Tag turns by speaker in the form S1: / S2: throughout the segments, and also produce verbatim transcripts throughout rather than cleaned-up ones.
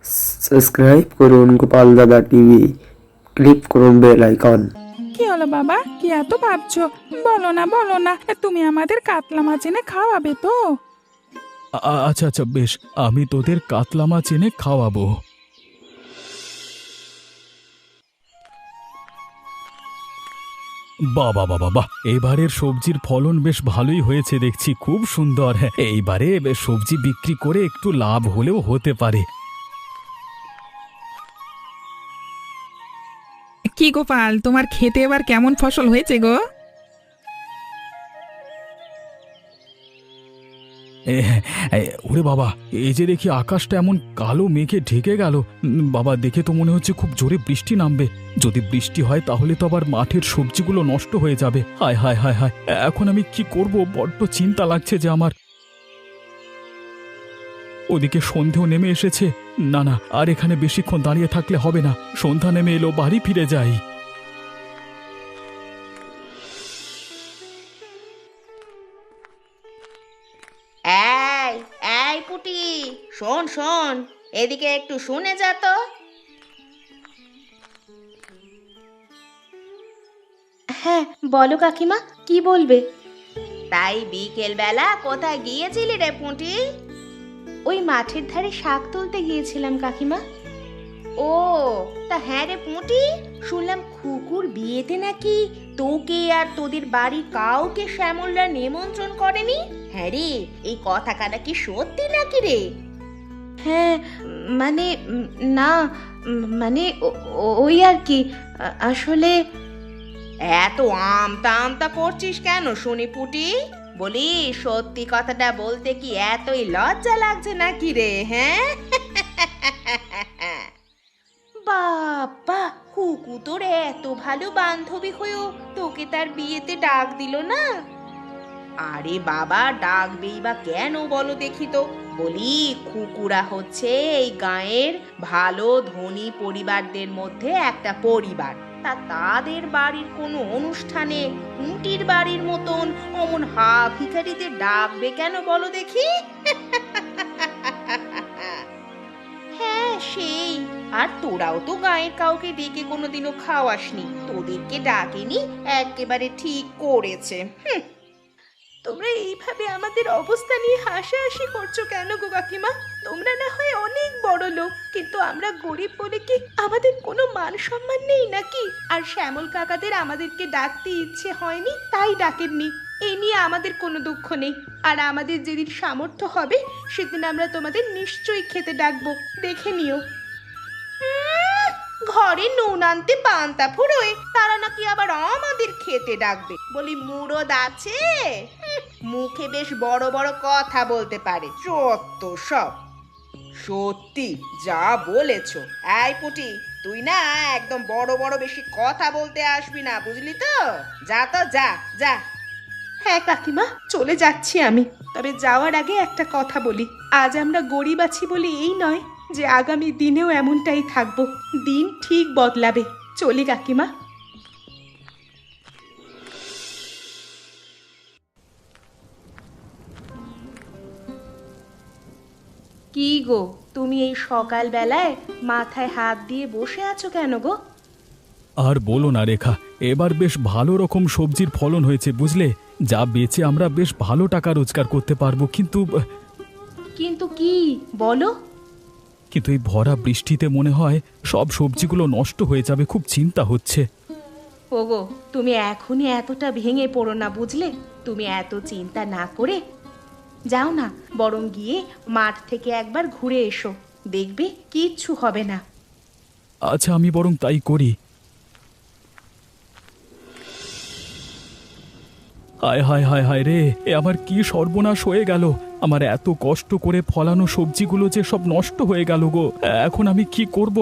S1: Subscribe করুন Gopal Dada TV, click করুন bell icon.
S2: কি হলো বাবা, কি এত ভাবছো? বলো না বলো না, তুমি আমাদের কাতলা মাছ এনে খাওয়াবে তো?
S3: আ- আচ্ছা আচ্ছা বেশ, আমি তোদের কাতলা মাছ এনে খাওয়াবো। বাবা বাবা বাহ, এবারের সবজির ফলন বেশ ভালোই হয়েছে দেখছি, খুব সুন্দর। হ্যাঁ, এইবারে বেশ সবজি বিক্রি করে একটু লাভ হলেও হতে পারে।
S2: কি গোপাল, তোমার খেতে এবার কেমন ফসল হয়েছে গো?
S3: এ, এ, ওরে বাবা, এই যে দেখি আকাশটা এমন কালো মেঘে ঢেকে গেল। উম, বাবা, দেখে তো মনে হচ্ছে খুব জোরে বৃষ্টি নামবে। যদি বৃষ্টি হয় তাহলে তো আবার মাঠের সবজিগুলো নষ্ট হয়ে যাবে। হায় হায় হায় হায়, এখন আমি কি করব? বড্ড চিন্তা লাগছে যে আমার। ওদিকে সন্ধেও নেমে এসেছে। না না, আর এখানে বেশিক্ষণ দাঁড়িয়ে থাকলে হবে না। সন্ধ্যা নেমে এলো, বাড়ি ফিরে যাই।
S4: এই এই পুটি, শোন শোন, এদিকে একটু শুনে যা তো।
S5: হ্যাঁ বলো কাকিমা, কি বলবে?
S4: তাই বিকেল বেলা কোথায় গিয়েছিলি রে পুঁটি?
S5: ওই মাঠের ধারে শাক তুলতে গিয়েছিলাম কাকিমা।
S4: ও, তা হ্যাঁ রে পুঁটি, শুনলাম খুকুর বিয়েতে নাকি তোকে আর তোদের বাড়ির কাউকে শ্যামলরা নিমন্ত্রণ করেনি। হ্যাঁ রে, এই কথাটা নাকি সত্যি নাকি রে?
S5: হ্যাঁ মানে উম, না উম, মানে ও- ও- ওই আর কি, আ- আসলে
S4: এত আমতা আমতা করছিস কেন শুনি পুটি? বলি, সত্যি কথাটা বলতে কি এতই লজ্জা লাগছে নাকি রে? হ্যাঁ বাবা, কুকু তোর এত ভালো বান্ধবী হয়েও তোকে তার বিয়েতে ডাক দিল না? আরে বাবা, ডাকবেই বা কেন বলো দেখি তো। বলি, খুকুরা হচ্ছে এই গাঁয়ের ভালো ধনী পরিবারদের মধ্যে একটা পরিবার। তা তাদের বাড়ির কোনো অনুষ্ঠানে কুটির বাড়ির মতন অমন হা ভিখারিদের ডাকবে কেন বলো দেখি? হ্যাঁ সেই, আর তোরাও তো গাঁয়ের কাউকে ডেকে কোনোদিনও খাওয়াসনি, তোদেরকে ডাকেনি, একেবারে ঠিক করেছে। হুঁ।
S5: তোমরা এইভাবে আমাদের অবস্থা নিয়ে হাসাহাসি করছো কেন গো কাকিমা? তোমরা না হয় অনেক বড় লোক, কিন্তু আমরা গরিব বলে কি আমাদের কোনো মান সম্মান নেই নাকি? আর শ্যামল কাকাদের আমাদেরকে ডাকতে ইচ্ছে হয়নি তাই ডাকেননি, এই নিয়ে আমাদের কোনো দুঃখ নেই। আর আমাদের যেদিন সামর্থ্য হবে সেদিন আমরা তোমাদের নিশ্চয়ই খেতে ডাকবো, দেখে নিও।
S4: উম, ঘরে নুন আনতে পান্তা ফুরোয়, তারা নাকি আবার আমাদের খেতে ডাকবে? বলি, মুরদ আছে? হুঁ, মুখে বেশ বড় বড় কথা বলতে পারে, যত সব। সত্যি যা বলেছো। এই পুটি, তুই না একদম বড় বড় বেশি কথা বলতে আসবি না, বুঝলি তো? যা তো, যা যা।
S5: হ্যাঁ কাকিমা, চলে যাচ্ছি আমি। তবে যাওয়ার আগে একটা কথা বলি, আজ আমরা গরিব আছি বলে এই নয় যে আগামী দিনেও এমনটাই থাকবো। দিন ঠিক বদলাবে। চলি কাকিমা। কি গো, তুমি এই সকাল বেলায় মাথায় হাত দিয়ে বসে আছো কেন গো?
S3: আর বলো না রেখা, এবার বেশ ভালো রকম সবজির ফলন হয়েছে বুঝলে। যা বেচে আমরা বেশ ভালো টাকা রোজগার করতে পারবো, কিন্তু
S5: কিন্তু কি বলো?
S3: কিন্তু এই ভরা বৃষ্টিতে মনে হয় সব সবজিগুলো নষ্ট হয়ে যাবে, খুব চিন্তা হচ্ছে।
S5: ওগো, তুমি এখনই এতটা ভেঙে পড়ো না বুঝলে। তুমি এত চিন্তা না করে যাও না, বরং গিয়ে মাঠ থেকে একবার ঘুরে এসো, দেখবে কিচ্ছু হবে না।
S3: আচ্ছা, আমি বরং তাই করি। হায় হায় হায় হায় রে, এ আমার কি সর্বনাশ হয়ে গেল! আমার এত কষ্ট করে ফলানো সবজিগুলো যে সব নষ্ট হয়ে গেল গো, এখন আমি কি করব?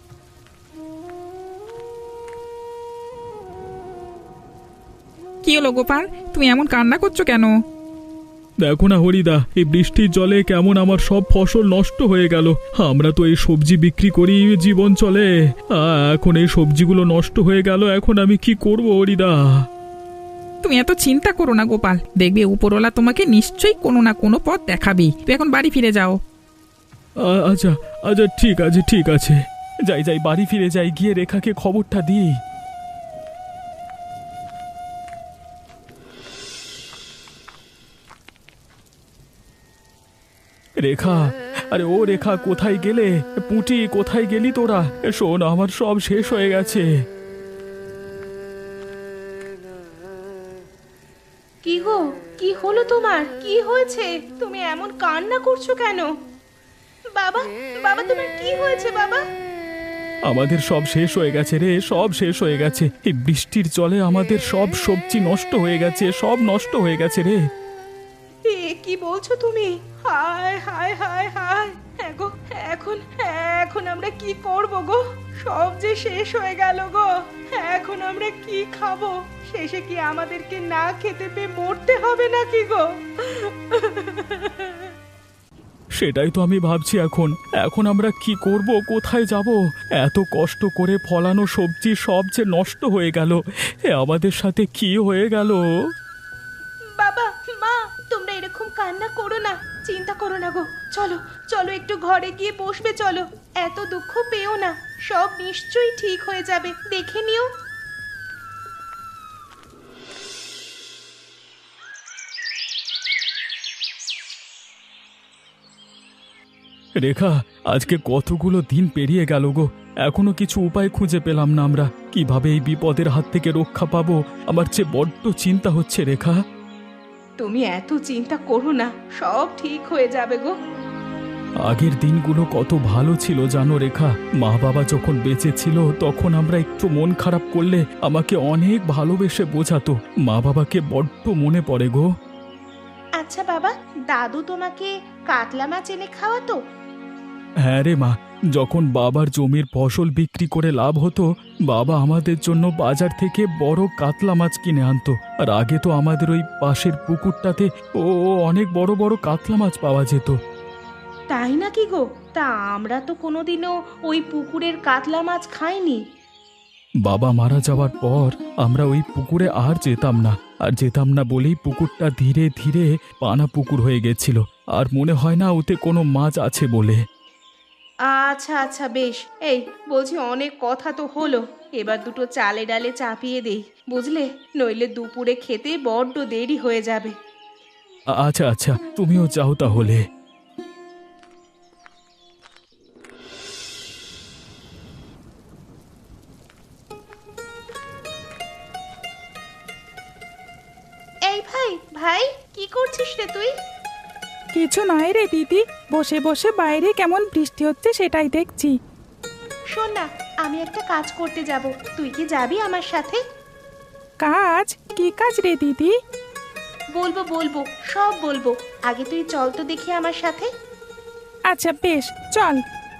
S2: কি হলো গোপাল, তুমি এমন কান্না করছো কেন?
S3: দেখো না হরিদা, এই বৃষ্টির জলে কেমন আমার সব ফসল নষ্ট হয়ে গেল। আমরা তো এই সবজি বিক্রি করি জীবন চলে, আ, এখন এই সবজিগুলো নষ্ট হয়ে গেল, এখন আমি কি করব হরিদা?
S2: তুমি এত চিন্তা করো না গোপাল, দেখবে উপরওয়ালা তোমাকে নিশ্চয়ই কোনো না কোনো পথ দেখাবেই। তুমি এখন বাড়ি ফিরে যাও।
S3: আ- আচ্ছা আচ্ছা ঠিক আছে ঠিক আছে, যাই যাই বাড়ি ফিরে যাই, গিয়ে রেখাকে খবরটা দিই। রেখা, আরে ও রেখা, কোথায় গেলে? পুঁটি, কোথায় গেলি তোরা? শোন, আমার সব শেষ হয়ে গেছে।
S5: কি গো, কি হলো তোমার? কি হয়েছে? তুমি এমন কান্না করছো কেন? বাবা, বাবা তোমার কি হয়েছে বাবা?
S3: আমাদের সব শেষ হয়ে গেছে রে, সব শেষ হয়ে গেছে। এই বৃষ্টির জলে আমাদের সব সবজি নষ্ট হয়ে গেছে, সব নষ্ট হয়ে গেছে রে।
S5: এ কি বলছো তুমি? হায় হায় হায় হায়, হ্যাঁ গো, এখন এখন আমরা কি করব গো? সব যে শেষ হয়ে গেল গো। এখন আমরা কি খাবো? শেষে কি আমাদেরকে না খেতে পেয়ে মরতে হবে নাকি গো?
S3: সেটাই তো আমি ভাবছি এখন। এখন আমরা কি করব, কোথায় যাব? এত কষ্ট করে ফলানো সবজি সব যে নষ্ট হয়ে গেল। এ আমাদের সাথে কি হয়ে গেল?
S5: বাবা, মা, তোমরা এরকম কান্না করো না, চিন্তা করো না গো। চলো চলো একটু ঘরে গিয়ে বসবে, চলো। এত দুঃখ পেও না, সব নিশ্চয়ই ঠিক হয়ে যাবে, দেখে নিও।
S3: রেখা, আজকে কতগুলো দিন পেরিয়ে গেল গো, এখনো কিছু উপায় খুঁজে পেলাম না আমরা। কিভাবে এই বিপদের হাত থেকে রক্ষা পাবো, আমার চেয়ে বড্ড চিন্তা হচ্ছে রেখা।
S5: তুমি এত চিন্তা করো না, সব ঠিক হয়ে যাবে গো।
S3: আগের দিনগুলো কত ভালো ছিল জানো রেখা। মা বাবা যখন বেঁচে ছিল তখন আমরা একটু মন খারাপ করলে আমাকে অনেক ভালোবেসে বোঝাতো। মা বাবাকে বড্ড মনে পড়ে গো।
S5: আচ্ছা বাবা, দাদু তোমাকে কাতলা মাছ এনে খাওয়াতো?
S3: হ্যাঁ রে মা, যখন বাবার জমির ফসল বিক্রি করে লাভ হতো, বাবা আমাদের জন্য বাজার থেকে বড় কাতলা মাছ কিনে আনতো। আর আগে তো আমাদের ওই পাশের পুকুরটাতে ও ও অনেক বড় বড় কাতলা মাছ পাওয়া যেত।
S5: তাই নাকি গো? তা আমরা তো কোনোদিনও ওই পুকুরের কাতলা মাছ খাইনি।
S3: বাবা মারা যাওয়ার পর আমরা ওই পুকুরে আর যেতাম না, আর যেতাম না বলেই পুকুরটা ধীরে ধীরে পানা পুকুর হয়ে গেছিল। আর মনে হয় না ওতে কোনো মাছ আছে বলে।
S5: আচ্ছা আচ্ছা বেশ, এই বলছি অনেক কথা তো হলো, এবার দুটো চালে ডালে চাপিয়ে দেই, বুঝলে? নইলে দুপুরে খেতে বড্ড দেরি হয়ে যাবে।
S3: আ- আচ্ছা আচ্ছা, তুমিও যাও তাহলে।
S5: এই ভাই, ভাই, কি করছিস রে তুই?
S2: কিছু নয় রে দিদি, বসে বসে বাইরে কেমন বৃষ্টি হচ্ছে সেটাই দেখছি।
S5: শোন না, আমি একটা কাজ করতে যাব, তুই কি যাবি আমার সাথে?
S2: কাজ? কি কাজ রে দিদি?
S5: বলবো বলবো, সব বলবো, আগে তুই চল তো দেখি আমার সাথে।
S2: আচ্ছা বেশ, চল।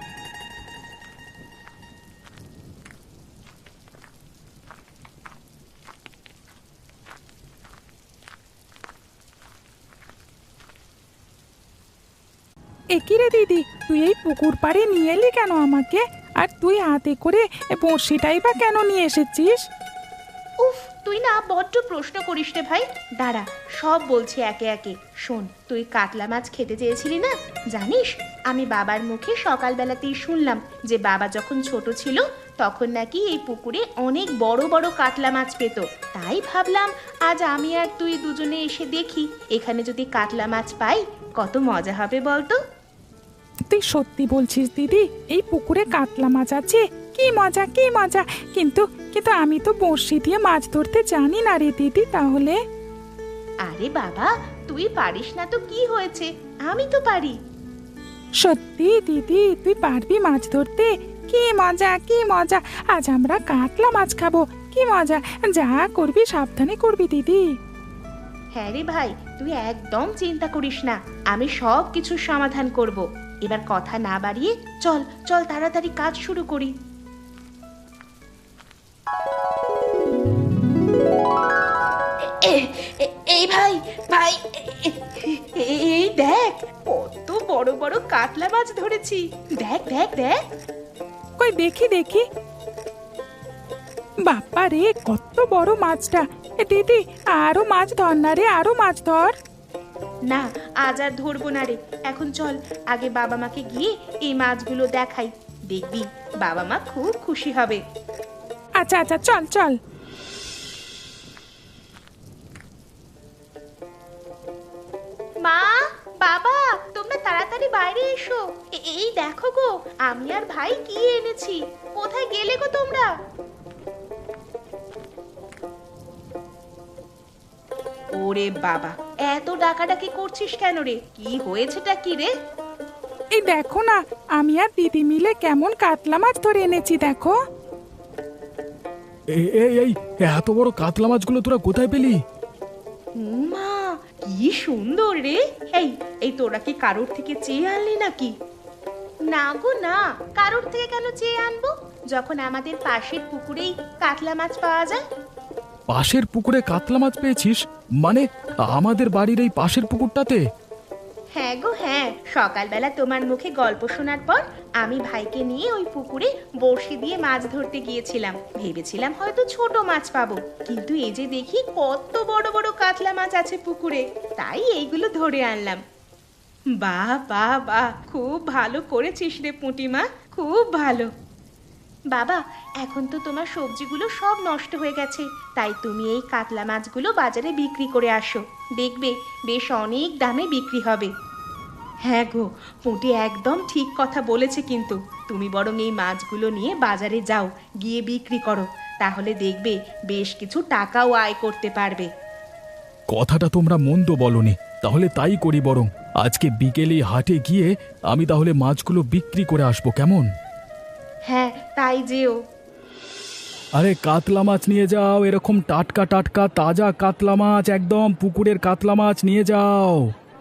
S2: একি রে দিদি, তুই এই পুকুর পাড়ে নিয়ে এলি কেন আমাকে? আর তুই হাতে করে বড়শিটাই বা কেন নিয়ে এসেছিস?
S5: উফ, তুই না বড্ড প্রশ্ন করিস রে ভাই। দাঁড়া, সব বলছি একে একে। শোন, তুই কাতলা মাছ খেতে চেয়েছিলি না? জানিস, আমি বাবার মুখে সকালবেলাতেই শুনলাম যে বাবা যখন ছোট ছিল তখন নাকি এই পুকুরে অনেক বড় বড় কাতলা মাছ পেত। তাই ভাবলাম আজ আমি আর তুই দুজনে এসে দেখি এখানে যদি কাতলা মাছ পাই, কত মজা হবে বলতো।
S2: তুই সত্যি বলছিস দিদি? এই পুকুরে কাতলা মাছ আছে? কি মজা, কি মজা! কিন্তু কিন্তু আমি তো বড়শি দিয়ে মাছ ধরতে জানি না রে দিদি, তাহলে?
S5: আরে বাবা, তুই পারিস না তো কি হয়েছে, আমি তো পারি।
S2: সত্যি দিদি, তুই পারবি মাছ ধরতে? কি মজা, কি মজা! আজ আমরা কাতলা মাছ খাবো, কি মজা! যা করবি সাবধানে করবি দিদি।
S5: হ্যাঁ রে ভাই, তুই একদম চিন্তা করিস না, আমি সব কিছুর সমাধান করব। এবার কথা না বাড়িয়ে চল চল তাড়াতাড়ি কাজ শুরু করি। এ- এ- এই ভাই, ভাই, এ- এ- এই দেখ, কত বড় বড় কাতলা মাছ ধরেছি। দেখ দেখ দেখ।
S2: কই দেখি দেখি। বাপ্পা রে, কত বড় মাছটা! এ দিদি, আরো মাছ ধর না রে, আরো মাছ ধর।
S4: না, আজ আর ধরবো না রে। এখন চল, আগে বাবা মাকে গিয়ে এই মাছগুলো দেখাই। দেখবি বাবা মা খুব খুশি হবে।
S2: আচ্ছা আচ্ছা, চল চল।
S4: মা, বাবা, তোমরা তাড়াতাড়ি বাইরে এসো। এ- এই দেখো গো, আমি আর ভাই কি এনেছি। কোথায় গেলে গো তোমরা? ওরে বাবা, এত ডাকাডাকি করছিস কেন রে? কি হয়েছেটা কি রে?
S2: এই দেখো না, আমি আর দিদি মিলে কেমন কাতলা মাছ ধরে এনেছি দেখো।
S3: এই এই এই এত বড় কাতলা মাছগুলো তোরা কোথায় পেলি?
S4: মা, কি সুন্দর রে। এই এই তোরা কি কারোর থেকে চেয়ে আনলি নাকি? না গো না, কারোর থেকে কেন চেয়ে আনবো, যখন আমাদের পাশের পুকুরেই কাতলা মাছ পাওয়া যায়।
S3: পাশের পুকুরে কাতলা মাছ পেয়েছিস? মানে আমাদের বাড়ির এই পাশের পুকুরটাতে?
S4: হ্যাঁ গো হ্যাঁ, সকালবেলা তোমার মুখে গল্প শোনার পর আমি ভাইকে নিয়ে ওই পুকুরে বড়শি দিয়ে মাছ ধরতে গিয়েছিলাম। ভেবেছিলাম হয়তো ছোট মাছ পাবো, কিন্তু এই যে দেখি কত বড় বড় কাতলা মাছ আছে পুকুরে, তাই এইগুলো ধরে আনলাম। বাহ বাহ বাহ, খুব ভালো করেছিস রে পুঁটিমা, খুব ভালো। বাবা, এখন তো তোমার সবজিগুলো সব নষ্ট হয়ে গেছে, তাই তুমি এই কাতলা মাছগুলো বাজারে বিক্রি করে আসো। দেখবে বেশ অনেক দামে বিক্রি হবে। হ্যাঁ গো, পুঁটি একদম ঠিক কথা বলেছে। কিন্তু তুমি বরং এই মাছগুলো নিয়ে বাজারে যাও, গিয়ে বিক্রি করো, তাহলে দেখবে বেশ কিছু টাকাও আয় করতে পারবে।
S3: কথাটা তোমরা মন্দ বলনি, তাহলে তাই করি। বরং আজকে বিকেলে হাটে গিয়ে আমি তাহলে মাছগুলো বিক্রি করে আসবো, কেমন?
S4: হ্যাঁ, তাই যেও।
S3: আরে কাতলা মাছ নিয়ে যাও, এরকম টাটকা টাটকা তাজা কাতলা মাছ, একদম পুকুরের কাতলা মাছ নিয়ে যাও।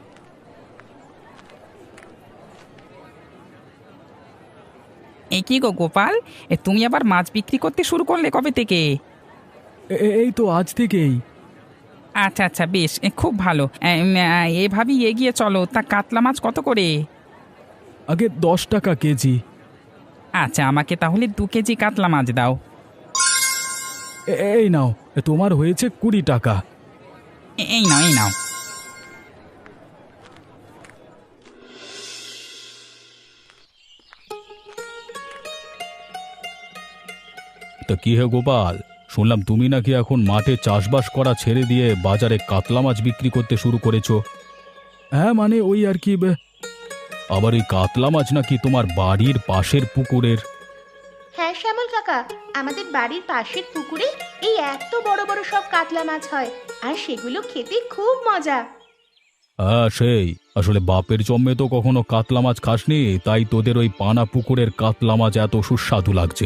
S6: এ কি গো গোপাল, এ তুমি আবার মাছ বিক্রি করতে শুরু করলে কবে থেকে?
S3: এ- এ- এই তো আজ থেকেই।
S6: আচ্ছা আচ্ছা, বেশ, এ, খুব ভালো। এম, আ, এভাবেই এগিয়ে চলো। তা কাতলা মাছ কত করে?
S3: আগে দশ টাকা কেজি।
S6: আচ্ছা, আমাকে তাহলে দু কেজি কাতলা মাছ দাও।
S3: এ- এই নাও, তোমার হয়েছে কুড়ি টাকা।
S6: এ- এই নাও এই নাও।
S3: তা কি হে গোপাল, শুনলাম তুমি নাকি এখন মাঠে চাষবাস করা ছেড়ে দিয়ে বাজারে কাতলা মাছ বিক্রি করতে শুরু করেছো? হ্যাঁ মানে ওই আর কি। বে- আবার ওই কাতলা মাছ নাকি তোমার বাড়ির পাশের পুকুরের?
S4: হ্যাঁ শ্যামল কাকা, আমাদের বাড়ির পাশের পুকুরে এই এত বড় বড় সব কাতলা মাছ হয়, আর সেগুলো খেতে খুব মজা।
S3: হ্যাঁ সেই, আসলে বাপের জন্মে তো কখনো কাতলা মাছ খাসনি, তাই তোদের ওই পানা পুকুরের কাতলা মাছ এত সুস্বাদু লাগছে।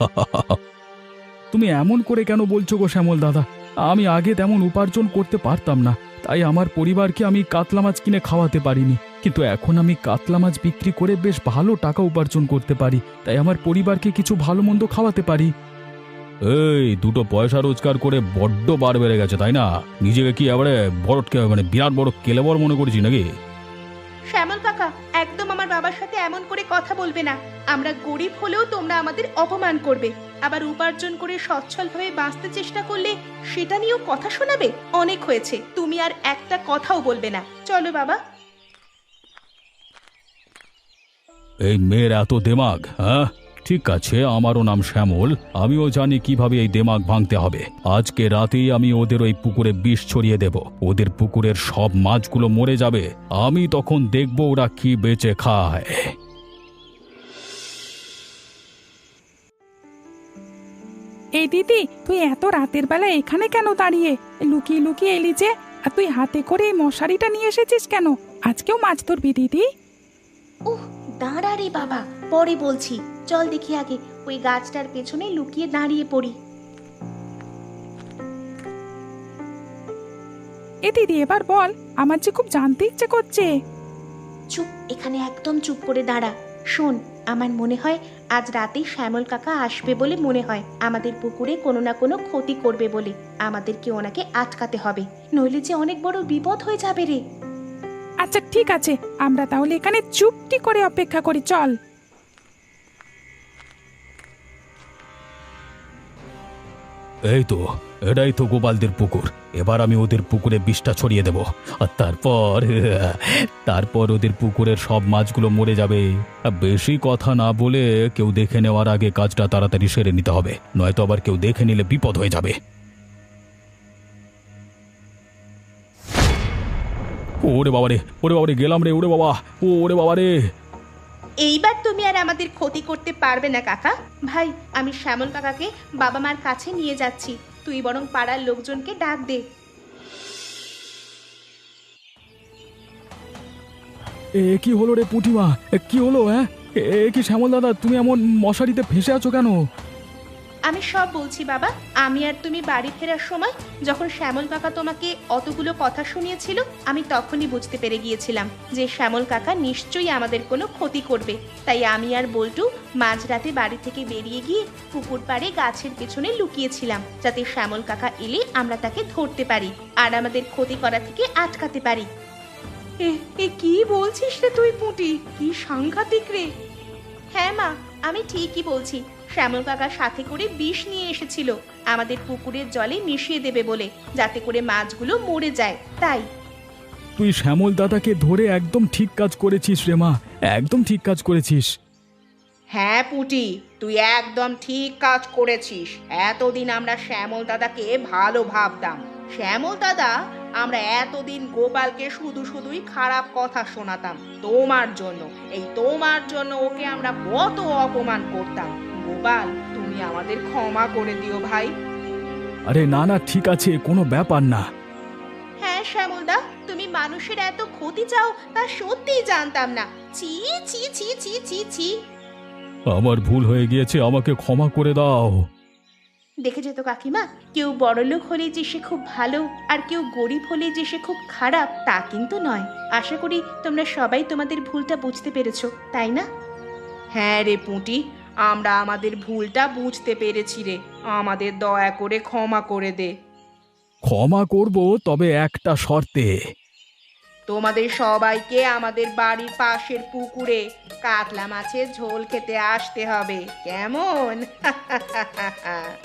S3: তুমি এমন করে কেন বলছো গো শ্যামল দাদা? আমি আগে তেমন উপার্জন করতে পারতাম না, তাই আমার পরিবারকে আমি কাতলা মাছ কিনে খাওয়াতে পারিনি। কিন্তু এখন আমি কাতলা মাছ বিক্রি করে বেশ ভালো টাকা উপার্জন করতে পারি, তাই আমার পরিবারকে কিছু ভালো মন্দ খাওয়াতে পারি। এই দুটো পয়সা রোজগার করে বড্ড বার বেড়ে গেছে, তাই না? নিজেকে কি এবারে বড় কে- মানে বিরাট বড় কেলেবর মনে করছি নাকি?
S4: শ্যামল কাকা, একদম আমার বাবার সাথে এমন করে কথা বলবে না। আমরা গরিব হলেও তোমরা আমাদের অপমান করবে, আবার উপার্জন করে সচ্ছলভাবে বাঁচতে চেষ্টা করলে সেটা নিয়েও কথা শোনাবে। অনেক হয়েছে, তুমি আর একটা কথাও বলবে না। চলো বাবা।
S3: এই মেয়ের এত দেমাগ, হ্যাঁ? ঠিক আছে, আমারও নাম শ্যামল, আমিও জানি কিভাবে এই দেমাগ ভাঙতে হবে। আজকে রাতেই আমি ওদের ওই পুকুরে বিষ ছড়িয়ে দেব, ওদের পুকুরের সব মাছগুলো মরে যাবে। আমি তখন দেখব ওরা কি বেঁচে খায়।
S2: এই দিদি, তুই এত রাতের বেলা এখানে কেন দাঁড়িয়ে? লুকিয়ে লুকিয়ে এলি যে? আর তুই হাতে করে এই মশারিটা নিয়ে এসেছিস কেন? আজকেও মাছ ধরবি দিদি?
S4: উহ, দাঁড়া রে বাবা, পরে বলছি। চল দেখি আগে ওই গাছটার পেছনে লুকিয়ে দাঁড়িয়ে পড়ি।
S2: এ দিদি, এবার বল, আমার যে খুব জানতে ইচ্ছে করছে।
S4: চুপ, এখানে একদম চুপ করে দাঁড়া। শোন, আমার মনে হয় আজ রাতেই শ্যামল কাকা আসবে বলে মনে হয়। আমাদের পুকুরে কোনো না কোনো ক্ষতি করবে বলে আমাদেরকে ওনাকে আটকাতে হবে, নইলে যে অনেক বড় বিপদ হয়ে যাবে রে।
S2: আচ্ছা ঠিক আছে, আমরা তাহলে এখানে চুপটি করে অপেক্ষা করি, চল।
S3: এই তো, এটাই তো গোপালদের পুকুর। এবার আমি ওদের পুকুরে বিষটা ছড়িয়ে দেব, আর তারপর তারপর ওদের পুকুরের সব মাছগুলো মরে যাবে। বেশি কথা না বলে কেউ দেখে নেওয়ার আগে কাজটা তাড়াতাড়ি সেরে নিতে হবে, নয়তো আবার কেউ দেখে নিলে বিপদ হয়ে যাবে। ওরে বাবারে, ওরে বাবারে, গেলাম রে, ওরে বাবা, ও ওরে বাবারে।
S5: এইবার তুমি আর আমাদের ক্ষতি করতে পারবে না কাকা। ভাই, আমি শ্যামল কাকাকে বাবা মার কাছে নিয়ে যাচ্ছি, তুই বরং পাড়ার লোকজনকে ডাক দে।
S3: এ কি হলো রে পুঁটিমা, এ কি হলো? হ্যাঁ, এ কি শ্যামল দাদা, তুমি এমন মশারিতে ফেসে আছো কেন?
S5: আমি সব বলছি বাবা। আমি আর তুমি বাড়ি ফেরার সময় যখন শ্যামল কাকা তোমাকে অতগুলো কথা শুনিয়েছিল, আমি তখনই বুঝতে পেরে গিয়েছিলাম যে শ্যামল কাকা নিশ্চয়ই আমাদের কোনো ক্ষতি করবে। তাই আমি আর বল্টু মাঝরাতে বাড়ি থেকে বেরিয়ে গিয়ে পুকুর পাড়ে গাছের পেছনে লুকিয়েছিলাম, যাতে শ্যামল কাকা এলে আমরা তাকে ধরতে পারি আর আমাদের ক্ষতি করা থেকে আটকাতে পারি। এ কি বলছিস রে তুই পুঁটি, কি সাংঘাতিক রে! হ্যাঁ মা, আমি ঠিকই বলছি। শ্যামল কাকা সাথে করে বিষ নিয়ে এসেছিল আমাদের পুকুরের জলে মিশিয়ে দেবে বলে, যাতে করে মাছগুলো মরে যায়। তাই
S3: তুই শ্যামল দাদাকে ধরে একদম ঠিক কাজ করেছিস রে মা, একদম ঠিক কাজ করেছিস।
S4: হ্যাঁ পুটি, তুই একদম ঠিক কাজ করেছিস। এতদিন আমরা শ্যামল দাদাকে ভালো ভাবতাম। শ্যামল দাদা, আমরা এতদিন গোপালকে শুধু শুধুই খারাপ কথা শোনাতাম তোমার জন্য। এই তোমার জন্য ওকে আমরা কত অপমান করতাম। গোপাল, তুমি আমাদের ক্ষমা করে দিও ভাই।
S3: আরে না না, ঠিক আছে, কোনো ব্যাপার না।
S5: হ্যাঁ শ্যামলদা, তুমি মানুষের এত ক্ষতি চাও তা সত্যিই জানতাম না। ছি ছি ছি ছি ছি ছি।
S3: আমার ভুল হয়ে গিয়েছে, আমাকে ক্ষমা করে দাও।
S5: দেখে যেত কাকিমা, কেউ বড়লোক হলে যে সে খুব ভালো আর কেউ গরিব হলে যে সে খুব খারাপ তা কিন্তু নয়। আশা করি তোমরা সবাই তোমাদের ভুলটা বুঝতে পেরেছো, তাই না?
S4: হ্যাঁ রে পুঁটি, আমরা আমাদের ভুলটা বুঝতে পেরেছি রে। আমাদের দয়া করে ক্ষমা করে দে।
S3: ক্ষমা করব, তবে একটা শর্তে।
S4: তোমাদের সবাইকে আমাদের বাড়ির পাশের পুকুরে কাতলা মাছের ঝোল খেতে আসতে হবে, কেমন?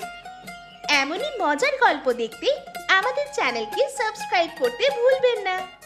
S5: এমনই মজার গল্প দেখতে আমাদের চ্যানেলকে সাবস্ক্রাইব করতে ভুলবেন না।